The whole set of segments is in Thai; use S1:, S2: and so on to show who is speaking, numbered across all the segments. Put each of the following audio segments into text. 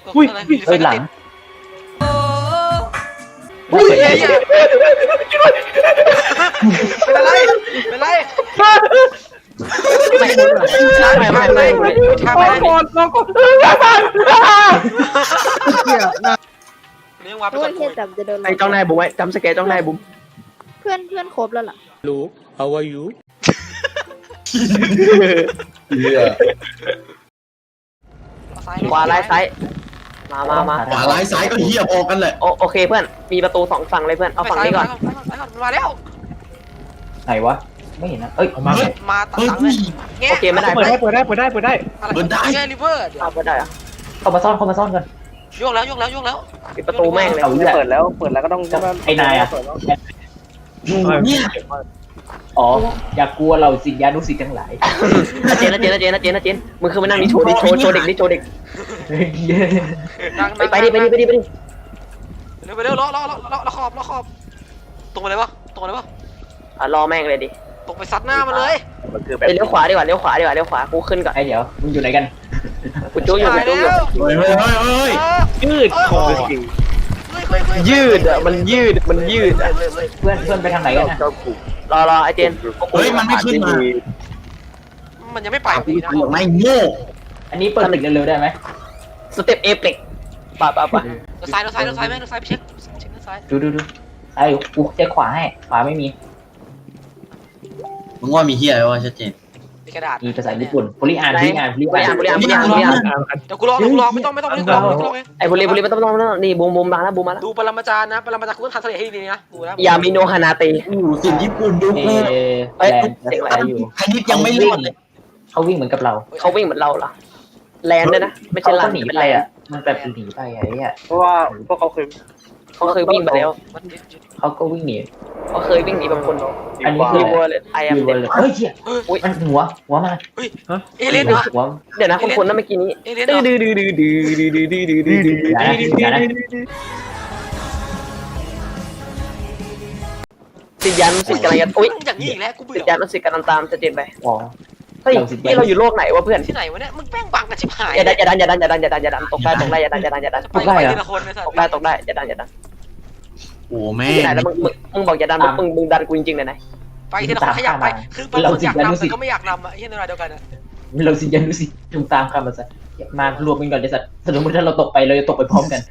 S1: อุ้ย
S2: อะไร
S3: เฮ้ยหลัง
S2: อุ้ยเป็นอะไรเป็นไรไม่ช้าไป
S1: รอก่อนรอก่อน
S2: เลี้ยงวาไป
S4: โอ้
S2: ก่อย น
S4: เฮียจำจะโดน
S3: ไอ้จ้องนายบุ้มไว้จำสแกนจ้องนายบุ้ม
S4: เพื่อนครบแล้วเหรอ
S1: Hello how are you
S3: ขวาซ้ายซ้ายมา
S5: ขวาร้ายซ้ายก็เหี้ยพอกันแหละ
S3: โอเคเพื่อนมีประตูสองฝั่งเลยเพื่อนเอาฝั่งนี้ก่อน
S2: มาแล้ว
S3: ไหนวะไม่เห็นนะเอ้ย
S1: เอามา
S2: มาตัด
S5: เฮ้ย
S2: ตังเลย
S3: โอเคไม่ได้
S1: เปิดได้เปิดได้เปิดได้เปิดได้
S2: อะไรแค่ริเวอร์
S3: เอาไม่ได้อะ
S6: เข้ามาซ่อนก่อน
S2: โยกแล้วโยกแล้วโยกแล้ว
S3: ปิดประตูแม่งเลย
S6: เอาเปิดแล้ว
S7: ก็ต้อง
S6: ไอ้นายอ่ะ
S5: เนี่ย
S6: อ๋ออย่ากลัวเราสิญานุสิทธิ์ทั้งหลาย
S3: นะเจนมึงคือมานั่งนี่โชว์ดิโชว์เด็กนี่โชว์เด็กไปดิ
S2: เร็วล้อขอบตรงไปเลยวะตรงไปเลยวะ
S3: รอแม่งเลยดิ
S2: ตรงไปซัดหน้ามันเลย
S7: มันคือ
S3: ไปเลี้ยวขวาดีกว่าเลี้ยวขวากูขึ้นก่อน
S6: ไอ้เดี๋ยวมึงอยู่ไหนกัน
S3: กูจู้อยู่
S5: เฮ้ย
S1: ยืดคอ
S3: ยืดอ่ะมันยืดอ่ะ
S6: เพื่อนไปทางไหนกันนะ
S3: รอไอ้เจน
S5: เฮ้ยมันไม่ขึ้นมา
S2: มันยังไม่ไป
S5: กูทำไม่โง่
S6: อันนี้เปิดตึกเร็วๆได้ไหม
S3: สเต็ปเอเปกป่ะ
S2: ซ้ายแม่ซ้ายไปเช็คซ้าย
S6: ดูไอ้กูเช็คขวาให้ขวาไม่มี
S5: มึงว่ามีเหี้ยอะไรวะชัดเจน
S2: มีกระดาษ
S6: มีภาษาญี่ปุ่นบริอ่าน
S3: บริอ่านเดี๋
S2: ยวกูลองไม่ต้อง
S3: ไอ้บุรีไม่ต้องนี่บูมมาแล้วบูมมาแล้ว
S2: ดูปรมาจารย์นะปรมาจารย์คุณต้องทำทะเลให้ดีนะดูนะ
S3: ยามิโนฮานาเต
S5: สิ่งญี่ปุ่นดู
S6: เอ
S5: กู
S6: แลนด์อะไรอยู่
S5: คณิตยังไม่รอดเลย
S6: เขาวิ่งเหมือนกับเรา
S3: เขาวิ่งเหมือนเราเหรอแลนด้วยนะไม่ใช่
S6: เขา
S3: ลั
S6: ก็
S3: น
S6: หนี
S3: เป็น
S6: ไป
S3: แลน
S6: อ่ะมันแบบหนีไปไอ้เนี่ย
S7: เพราะว่าพวกเขาเคย
S3: วิ่งไปแล้ว
S6: เขาก็วิ่งหนี
S3: เขาเคยวิ่งหนีบางคน
S6: อันนี้คือ
S3: รีเวอร์เลยไอแอม
S6: อยู่เลยเฮ้ยเหี้ยมันหัวมา
S2: เอเลนเหรอ
S6: หัว
S3: เดี๋ยวนะคนนั้นเมื่อกี้นี้
S2: เอเลนเหรอ
S6: อย่านะ
S3: สิยันสิกำลังจะอุ้ย
S2: อย่างนี้อีกแล้วกูเบื่
S3: สิ
S2: อ
S3: ยันสิกำลังตามจะเจนไป
S6: อ๋อ
S3: เฮ้ยนี่เราอยู่โลกไหนวะเพื่อน
S2: ที่ไหนวะเนี่ยมึงแป้งบังกันชิบหาย
S3: อย่าดันตกได้อย่าดัน
S2: ไปทีละคนเลยสัตว์
S3: ตกได้อย่าดัน
S5: โอ้แม่
S3: ที่ไหนแล้วมึงบอกอย่าดันมึงดันกูจริงๆเลยนะ
S2: ไปทีละคนขยับไปคือบางคนอยากนำแต่ก็ไม่อยากนำอ่ะที่ในเวลาเดียวกันอ่ะ
S6: เราสิญานุสิทธิ์จงตามคำมันซะมารวมกันก่อนเลยสัตว์สมมติถ้าเราตกไปเราจะตกไปพร้อมกัน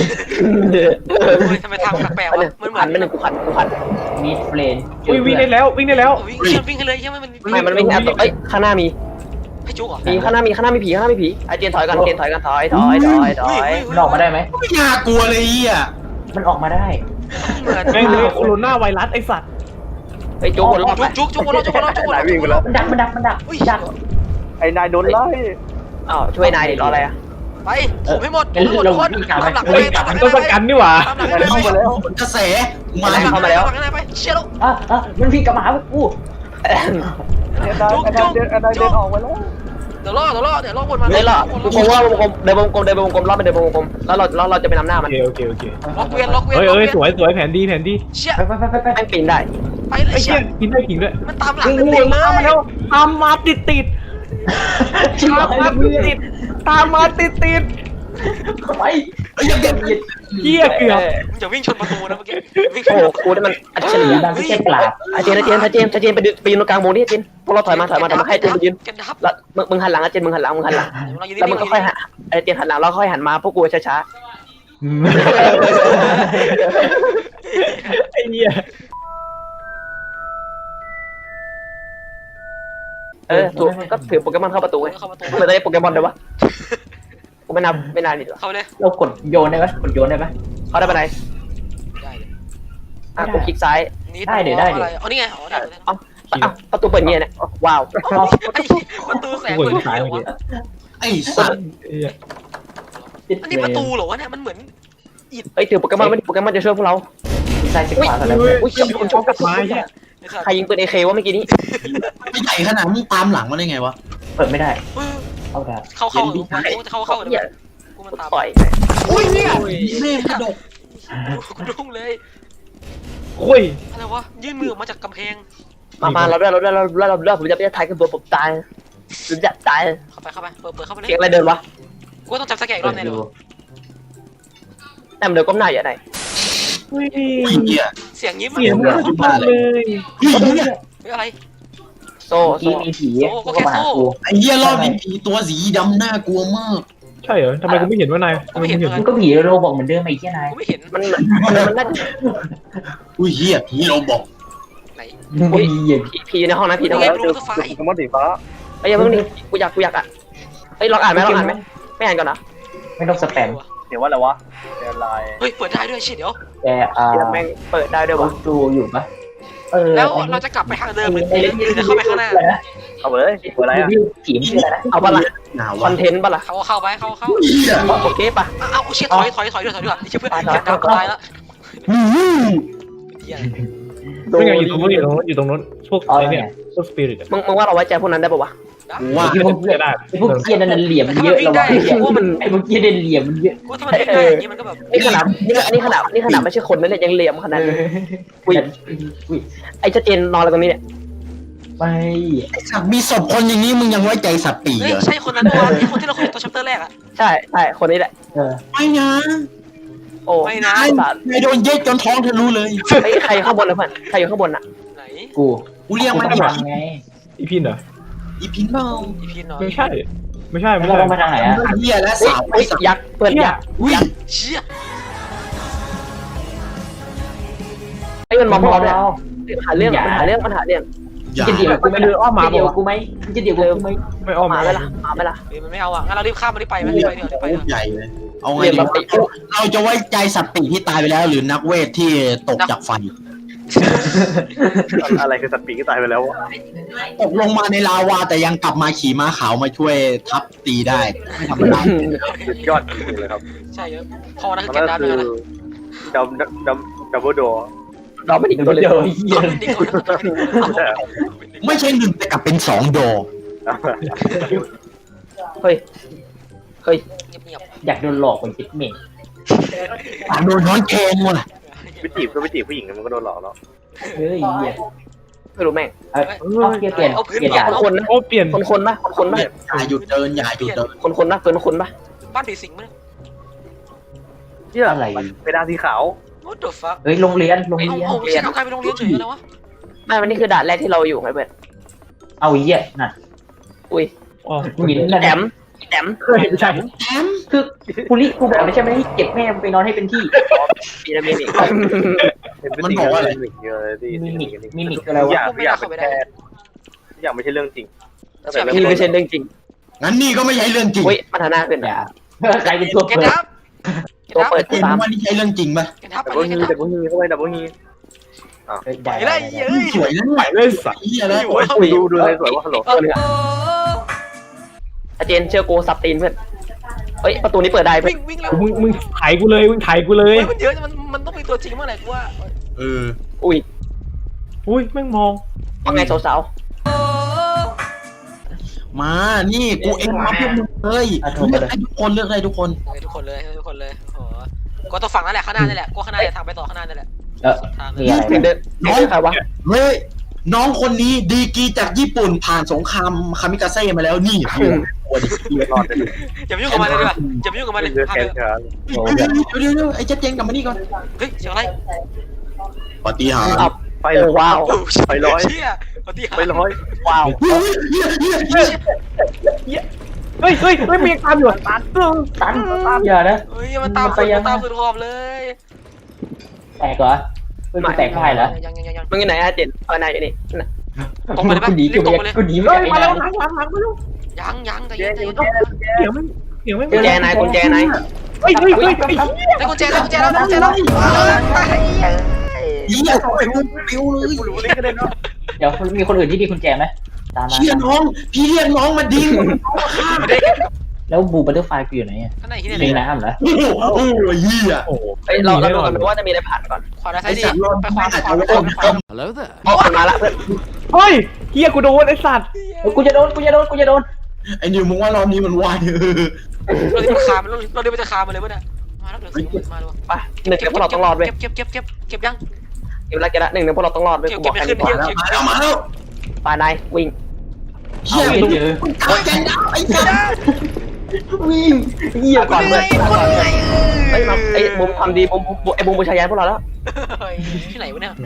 S2: ทำไมทางแปลกๆวะมันเหมือน
S3: ไม่หนึ่งกูขัน
S6: มีเฟรน
S1: อุ้ยวิ่งได้แล้ววิ่งได้แล้ว
S2: วิ่งให้เลยใช่ไหมมัน
S3: ไม่มันวิ่งเอ้ยข้างหน้ามี
S2: ให้จุกเหรอ
S3: ข้างหน้ามีผีไอเจนถอยกันถอย
S6: มันออกมาได้ไหม
S5: ไม่น่ากลัวเลยอ่ะ
S6: มันออกมาได้
S2: เหมือน
S1: แม่งเลยโคโรนาไวรัสไอสัตว์
S3: ไอโจ๊กวนรอบ
S2: จุกวนรอบ
S7: นายวิ่งไปแล้ว
S6: มันดักดัก
S7: ไอ้นายโดนไล่
S3: อ้าวช่วยนายดิรออะไรอ่ะ
S2: ไปผมให้หมดทุกคนตามหลัง
S1: เฮ้ยมันต้องประกันนี่หว่า
S2: ตามหลัง
S7: เข้ามาแล้ว
S5: กระแสมา
S2: ไปเชี่ยลูก
S6: มันวิ่งกลับมาหากู
S7: ไอ้นายเดินออกไปแล้ว
S2: เดี๋ยวล่อวนมา
S3: เฮ้ยล่ะผมว่าเดินวงกลมรอบไปเดินวงกลมแล้วเราจะไปนำหน้ามัน
S1: โอเค
S2: ล็อกเวียน
S1: เฮ้ยสวยแผนดี
S2: เชี่ย
S6: ไป
S3: แม่งปีนได้
S2: ไปเลย
S1: ไอ้
S2: เชี่
S1: เชี่
S2: ย
S1: ยกินได้กินด้วย
S2: มันตามหลัง
S1: ตามมาแล้วตามมาติดตามมาติด
S6: ไป
S5: ยังเด็ก
S1: เหี้ยเกือบ
S2: มึงจะวิ่งชนประตูนะเมื่อกี้วิ่งช
S3: โอ้
S2: น
S3: กูนี่มันอัจฉริ
S6: ดังที่เจ็บปราบ
S3: เจนไปยืนตรงกลางวงนี่เจนพวกเราถอยมาให้เจนไปยืน
S2: กันดับ
S3: แล้วมึงหันหลังเจนมึงหันหลังแล้วมึงก็ค่อยหันเจนหันหลังแล้วค่อยหันมาพวกกูช้า
S1: ไอ้เหี้ย
S3: ถูกก็ถือโปเกมอนเข้าประตูไง
S2: เข้าประตู
S3: เหมือนได้โปเกมอนเลยวะกูไม่นานดิหรอ
S2: เข้าเลย
S6: เรากดโยนได้ไหมกดโยนได้ไหม
S3: เขาได้ไปไหน
S2: ได้เลย
S3: กูคลิกซ้าย
S2: อะไรอ๋อนี่ไงอ๋อได้
S3: ประตูเปิดเงี้ยเนี่ยว้าว
S2: ประตูแสง
S1: กู
S2: เปิด
S1: เห็นสายเมื่อกี้
S5: ไอ้สัตว์
S2: อันนี้ประตูเหรอวะเนี่ยมันเหมือน
S3: เฮ้ยถือโปเกมอนไม่โปเกมอนจะช่วยพวกเรา
S6: ซ้ายขวากันแล้ว
S3: อุ้ยคุณชอบกับ
S1: ไม้เนี่ย
S3: ใครยิงปืนเอเควะเมื่อกี้นี้
S5: ไม่ใหญ่ขนาดมึงตามหลังมาได้ไงวะ
S6: เปิดไม่ได้เข้าได้
S2: เข้าเดี๋ยวกูมันตาม
S3: ต่อย
S5: อุ้ยเนี่ยแม่กระดก
S2: กูดุ้งเลย
S1: โอ้ย
S2: อะไรวะยื่นมือออกมาจากกำแพง
S3: มาเราด้วยผมจะไปถ่ายกันตัวผมตายผมจะตาย
S2: เข้าไปเปิดเข้าไปเลย
S3: เสียงอะไรเดินวะ
S2: กูต้องจับสแกนอีกรอบแน่เลย
S3: แต่เดี๋ยวก้มหน้าอย่าไหน
S1: เฮ้ย
S5: ไอ้เหี้ย
S2: เสียงยิ้ม
S1: เสียงมันสุดยอดเลย
S5: เฮ้ยเหี้ย
S2: ไม่อะไร
S3: โซ่
S6: เมื่อกี้มีผีก็มาหากู
S5: ไอ้เหี้ยรอบนี้ผีตัวสีดำน่ากลัวมาก
S1: ใช่เหรอทำไมกูไม่เห็นว่านายทำไมมึงเห็น
S6: มันก็ผีโรบอกเหมือนเดิมไอ้เหี้ยนาย
S2: กูไม่เห็น
S3: มันน่าจะ
S5: อุ้ยเหี้ยผีเราบอก
S2: ไหน
S6: มึงไม่มีอ่ะ
S3: ผีอยู่ในห้องนะผีในห้อง
S2: เห็
S3: นะ
S2: นรูปตัวไฟ
S7: สมมติสีฟ้า
S3: ไอ้ยังเพิ่งนี่กูอยากอ่ะเฮ้ยลองอ่านไหมไม่อ่านก่อนนะ
S6: ไม่ต้องสแปม
S7: เดี๋ยวว่าอะไรวะเดี๋ยวลาย
S2: เฮ้ยเปิดได้ด้วยชิเดี๋ยว
S6: แต่
S3: แม่งเปิดได้ด้วยวะ
S6: ดูอยู่ปะ
S2: แล้วเราจะกลับไปทางเดิมหรือจะเข้าไปข้างหน้า
S7: เอาไปเลยเปิดอะไรอ่ะ
S6: ผีมันชื่ออะไรนะ
S3: เอาปะล่ะ
S5: หนาว
S3: คอ
S5: วะ
S3: นเทนต์ปะล่ะ
S2: เข้าไปเข้า
S5: เหี้ย
S3: โอเคปะ
S2: เอาเชี่ยถอยด้วยนี่เชื่อเพื่อนเก็บดาวตายแล้ว
S5: อืม
S2: เหี้ย
S1: มึงอยู่ตรงนู้นอยู่ตรงนู้นพวกอะไรเนี่ยพวกสปิริต
S3: มึงว่าเราไว้ใจพวกนั้นได้ปะวะ
S5: กูว่า
S1: ที่มันจะได้
S6: ไอ้พวกเกี้ยนั่นเหลี่ยมเยอะเราไอ้พวกเกี้ยเด่นเหลี่ยมมันเยอะ
S2: กูถ้ามันวิ่งได้อย่างนี้มันก็แบบ
S3: นี่ขนาดไม่ใช่คนนั่นเลยยังเหลี่ยมขนาดนี้ไอ้เจ้าเจนนอนอะไรตรงนี้เนี่ย
S6: ไม่
S5: ไอ้สัตว์มีศพคนอย่างนี้มึงยังไว้ใจสัตว์ปี
S2: เฮ้ย
S5: เหรอ
S2: ใช่คนนั้นตัวที่คนที่เราคุยตัวชัปเตอร์แรกอะ
S3: ใช่คนนี้แหละ
S5: ไม่นะ
S3: โอ้
S2: ไม่นะ
S5: นายโดนเย็ดจนท้องทะลุเลย
S3: ใครข้างบนนะเพื่อนใครอยู่ข้างบนอ่ะ
S2: ไหน
S6: กู
S5: กูเรียกมัน
S6: ต้
S5: อี
S6: อง
S5: พิน
S6: ไง
S1: อีพินเหรอ
S5: อีพินเปล่า
S2: อีพีนหน่อย
S1: ไม่ใช่ไม่ใช่
S6: แล้วเราต้องไปทางไหนอ่ะ
S5: เหี้ยและสาวไอ้สัตว์
S3: ยักษ์เพื่อนยักษ์
S5: อุ้ย
S2: เชี่ย
S3: ไอ้มันมองเราเนี่ยหาเรื่อง
S5: อย่า
S6: จะเดี๋ยวกูไม่เดินอ้อมมาเดี๋ยวกูไหมจะเดี๋ยวกูไหม
S1: ไม่อ้อม
S3: มา
S1: มา
S3: ไปละมาไปละ
S2: มันไม่เอาอะงั้นเรารีบข้ามมันรีบไปไหมรีบไปเดี๋ยวรีบไป
S5: โค
S2: เดี๋ยว
S5: ตรใหญ่เลยเอาไงดีวะเราจะไว้ใจสัตว์ปีกที่ตายไปแล้ว หรือนักเวทที่ตกจากไฟ
S7: อะไรคือสัตว์ปีกที่ตายไปแล้ววะ
S5: ตกลงมาในลาวาแต่ยังกลับมาขี่ม้าขาวมาช่วยทับตีได้ไม่ธรรมดา
S7: สุดยอดจริงๆเลยครับ
S2: ใช่เยอะพอนะคือ
S7: มัน
S2: เก็บ
S7: ก็
S2: ดาว
S7: คื
S2: ด้ว
S7: อย
S2: นะ
S7: ดับเบิลโด
S3: เราไม่ดิ้งตัวเลย
S6: เดี๋ยวเหี้ย
S2: เป็นดิคนเป็นดิคน
S5: ไม่ใช่หนึ่งแต่กลับเป็นสองโด
S3: เฮ้ย
S2: เงียบ
S6: อยากโดนหลอกไปคิดเมย์
S5: โดนน้อนแกงว่ะ
S7: ไปจีบก็ไปจีบผู้หญิงมันก็โดนหลอกแล้ว
S6: เฮ้ยเหี้ย
S3: ไม่รู้แม่ง
S6: เอาเปลี่ยนเปลี่ยนเปลี่ยนด่า
S3: คนนะ
S1: โอ้เปลี่ยน
S3: คนปะ
S5: อย่าหยุดเดินอย่าหยุดเดิน
S3: คนปะเกินคนปะ
S2: บ้านผีสิงมั้ย
S7: เหี้ย
S6: อะไร
S7: ไปดาสีขาว
S2: What the fuck
S6: เฮ้ยโรงเรียนโรง
S2: ไอ้
S6: เรียน
S2: โอ้ไม่ใช่ทำใครไปโรงเรียนเฉยแล้ววะ
S3: ไม่วันนี้คือด่านแรกที่เราอยู่ไงเพื่อน
S6: เอาเหี้ยนั่น
S3: อุ้ย
S1: อ๋อ
S6: หยินนั่น
S3: แต้ม
S1: ไม่ใช่
S6: คือกูกูบอกเลยใช่ไหมให้เก็บแม่ไปนอนให้เป็นที่
S3: มีนะมีอีก
S7: มันบอกว่าอะไรเยอะที่
S6: มิมิกอะไร
S7: ทุกอ
S6: วะ
S7: ย่างทุกอย่างเป็นแค่ทุกอย่างไม่ใช่เรื่องจริง
S3: นี่ไม่ใช่เรื่องจริง
S5: งั้นนี่ก็ไม่ใช่เรื่องจริง
S3: อุ้ยมันหน้าขึ้น
S6: อย่าใครเป็นตัว
S2: เก็บ
S6: เปิด
S2: ดับ
S3: ตัวเปิด
S5: เห็น
S3: ตาม
S5: ว่านี่ใช่เรื่องจริงป่ะ
S2: เก็บดับไป
S7: ดับ
S2: เล
S7: เบิล
S2: ย
S7: ฮีดับเบิลฮีเข้าไปดับเบิลฮี
S2: ไปเลยเฮ้ย
S5: สวยนะ
S1: ไปเลยสัตว์
S5: เฮียแล้ว
S7: ดูเลยสวยว่าฮัลโหล
S3: อาเจนเชื่อกูสับตีนเพื่อนเฮ้ยประตูนี้เปิดได้เพื่อ
S2: วิ่
S3: น
S2: งวิ่งแล้ว
S1: มึงไถกูเลยมึงไถกูเลย
S2: มันเยอะมันต้องมีตัวจริงเมื่อไหร่กูว่า
S5: เออ
S3: อุ้ย
S1: อุ้ยแม่งมอง
S3: ว่าไงสาว
S5: มานี่กูเองมาเพื่อนมึงเลยเลือกได้ทุกคนเลือกได้ทุกคน
S2: ทุกคนเลยทุกคนเลยโอ้โหก็ต้องฝั่งนั่นแหละข้างหน้านี่แหละกูข้างหน้าเนี่ยทางไปต่อข้างหน้านี่แหละทาง
S6: มีอะไร
S3: ๆเดินใครวะ
S5: เฮ้ยน้องคนนี้ดีกรีจากญี่ปุ่นผ่านสงครามคามิกาเซ่มาแล้วนี่ตัวดิ
S7: รอดไปเลย
S2: อย่าไปยุ่งกับมันเลยดีกว่าอย่าไปยุ่งกับมันเลย
S7: เลือก
S2: พา
S7: แข
S2: ไป
S7: นขา
S5: เดี๋ยวไอ้เจ๊เจงกลับมานี่ก่อน
S2: เฮ้ยเสียงอะไร
S5: ปฏิหาร
S7: ไป
S3: โอ้ว้าว
S7: ไปร้อย
S2: เชี่ยปฏิหาร
S7: ไปร้อย
S3: ว้าว
S1: เฮ้ยมีตามอยู่ตัด
S6: ตันอย่านะ
S2: เฮ้ยมันตามสุดขอบเลย
S6: แตกเหรอเป็นแตกได้เหรอ
S2: ยัง
S3: มึงอยู่ไหนอาเจนนายอยู่นี่
S2: ตรงไปเลยปะ
S6: กูหนี
S2: รีบตรงไปเลย
S6: กูหนี
S1: เฮ้ย
S6: ไม่
S1: มา
S6: ได้
S1: แล้วหลังมาแล้ว
S2: ยังใจ
S7: เจ๊
S2: เย็น
S7: เจ๊
S1: เสียงไม่
S3: กุญแจนาย
S1: เฮ้ย
S2: ได้กุญแจแล้ว
S5: เฮียไปมึงปิวเลย
S7: กูรู้เลยก็ได้เนาะ
S6: เดี๋ยวมีคนอื่นที่มีกุญแจไหมตามมา
S5: เฮียน้องพี่เรียกน้องมาดิ้ง
S6: แล้วบูบัตเตอร์ไฟกูอยู่ไหนอ่ะ
S2: ข้างในที่ไหน
S6: ในน้ำเหรอ
S5: โอ้โหเฮีย
S1: โอ้โห
S3: เฮ้ยเราดูกันว่าจะมีอะไรผ่านก่อน
S2: ขวาด้าน
S5: ไอ้
S2: ซ้ายดี
S5: สัตว์รอด
S2: ไป
S5: ไม่
S2: ขวา
S5: อาจ
S2: ไป
S5: จะ
S2: ขวา
S5: ว่า
S3: อ๋อมาละเพื่อน
S1: เฮ้ยเฮียกูโดนไอ้สัตว์
S6: กูจะโดน
S5: ไอ้นิวมึงว่ารอบนี้มันวาย
S2: เราเดินคามันเราเดินไปจะคามันเลยป่ะเนี่ยมาแล้วเดี๋ยวมาดู
S3: ไปหนึ่งเดี๋ยวพวกเราต้องรอดเว้ย
S2: เก็บยัง
S3: เก็บละเก็บละหนึ่งเดี๋ยวพวกเราต้องรอดเว้ยกูบอกแค่นี้
S5: มาแล้ว
S3: ปานายวิ่ง
S5: เฮีย
S6: เอาไม่เจอ
S5: ตายใจดาวไอ้สัตว์
S6: วิ่งเหี้ย
S3: ก่อน
S2: เห
S3: เพื่
S2: นื่
S3: อ
S2: อน ยคนเหนื่อย
S3: ไอ้มาไอ้บุมทำดีบุมไอ้บุมบูชายันพวกเราแล้ว
S2: ที่ไหนวะเนี่ย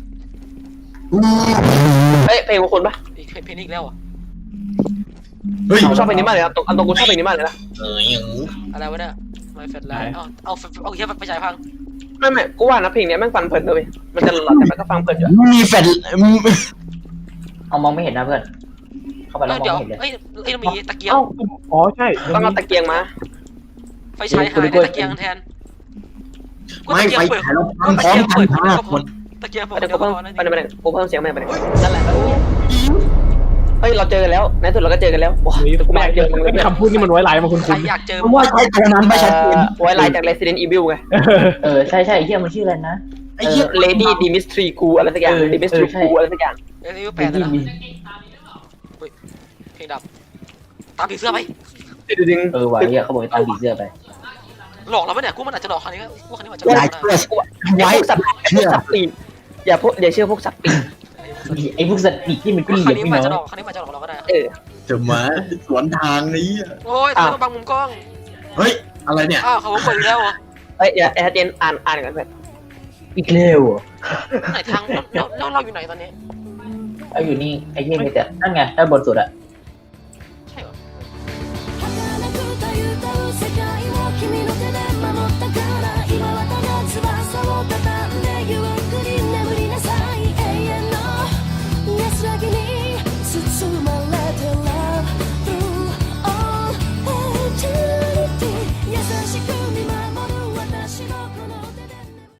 S3: เอ้ยเพลงของคุณปะ
S2: เพลงนี้อีกแล้วอ่ะ
S5: เฮ้ย
S3: ผมชอบเพลงนี้มากเลยครับอันตรงกูชอบเพลงนี้มากเลยนะ
S2: อะไรวะเนี่ยไม่เฟดไลท์เอาแค่ไปฉายพัง
S3: ไม่กูว่านะเพลงเนี้ยแม่งฟังเพลินเลยมันจะหลอนแต่มันก็ฟังเพลินอยู่
S5: มีแฟลช
S6: เอามองไม่เห็นนะเพื่อนเข้าไปแล้วมอง
S2: เดี๋ยว
S6: ไม่เห็นเลย
S2: เอ้ยเรามีตะเกียง
S1: เอ้าอ๋อใช่
S3: ต้องเอาตะเกียงมา
S2: ไฟฉายหายได้ตะเกียงแทน
S5: ไม่ไฟฉายเราพังพร้อมกันห้าคน
S2: ตะเกียงผม
S3: เดี๋ยว
S2: เดียว
S3: กู
S2: ก็
S3: เพิ่ม
S2: พอนะ
S3: ไปไหนกูเพิ่มเสียงไปไหน
S2: นั่นแหละ
S3: เฮ้ยเราเจอกันแล้วในสุดเราก็เจอกันแล้วว้ากูไม่อยากเจอมึงเลย
S1: คำพูดนี่มันไว้หลายมาคุณ
S2: ใคร
S1: คุณ
S2: อยากเจอ
S5: เพราะว่าใช้ตัวนั้นไม่ชัดเจน
S3: ไว้ลายจาก Resident Evil ไง
S6: ใช่เหี้ยมันชื่ออะไรนะ
S5: ไอ้เหี้ย
S3: Lady Dimitri กูอะไรสักอย่าง Dimitri กูอะไรสักอย่าง
S2: เอ้ยแปดนะเพลงดับตามผีเสื้อไป
S3: ดึง
S6: ว่ะเหี้ยเขาบอกให้ตามผีเสื้อไป
S2: หลอกเราไหมเนี่ยกูมันอาจจะหลอกครั้งนี้กูครั้งนี้อาจจะหล
S5: ลา
S2: อย ก
S5: เสื้อ
S3: อย่า
S5: ไว้
S3: พวกสัตว์ปีกอย่าเชื่อพวกสัตว์ปีก
S6: ไอ้พวกสัตว์ปีกที่มันก็
S2: ค
S6: เห
S2: รั้
S6: ลี่
S2: ง
S6: ยม
S2: นี้
S6: พี่
S2: อาจจะหล
S6: น้
S2: อ
S6: อก ง
S2: ครั้งนี้อาจจะหลอกเราก็ได้
S5: จะมาสวนทางนี้
S2: โอ้ยทำไมต้องบังมุมกล้อง
S5: เฮ้ยอะไรเนี่ย
S2: อ้าวเขาเปิดอีกแล้วเหรอ
S3: เฮ้ยอย่าเจนอ่านกันเพื่อน
S6: อีกเร็ว
S2: ไหนทางเราอยู่ไหนตอนนี้
S6: เอาอยู่นี่ไอ้เหี้ยมีแต่นั่นไงด้านบนสุดอะ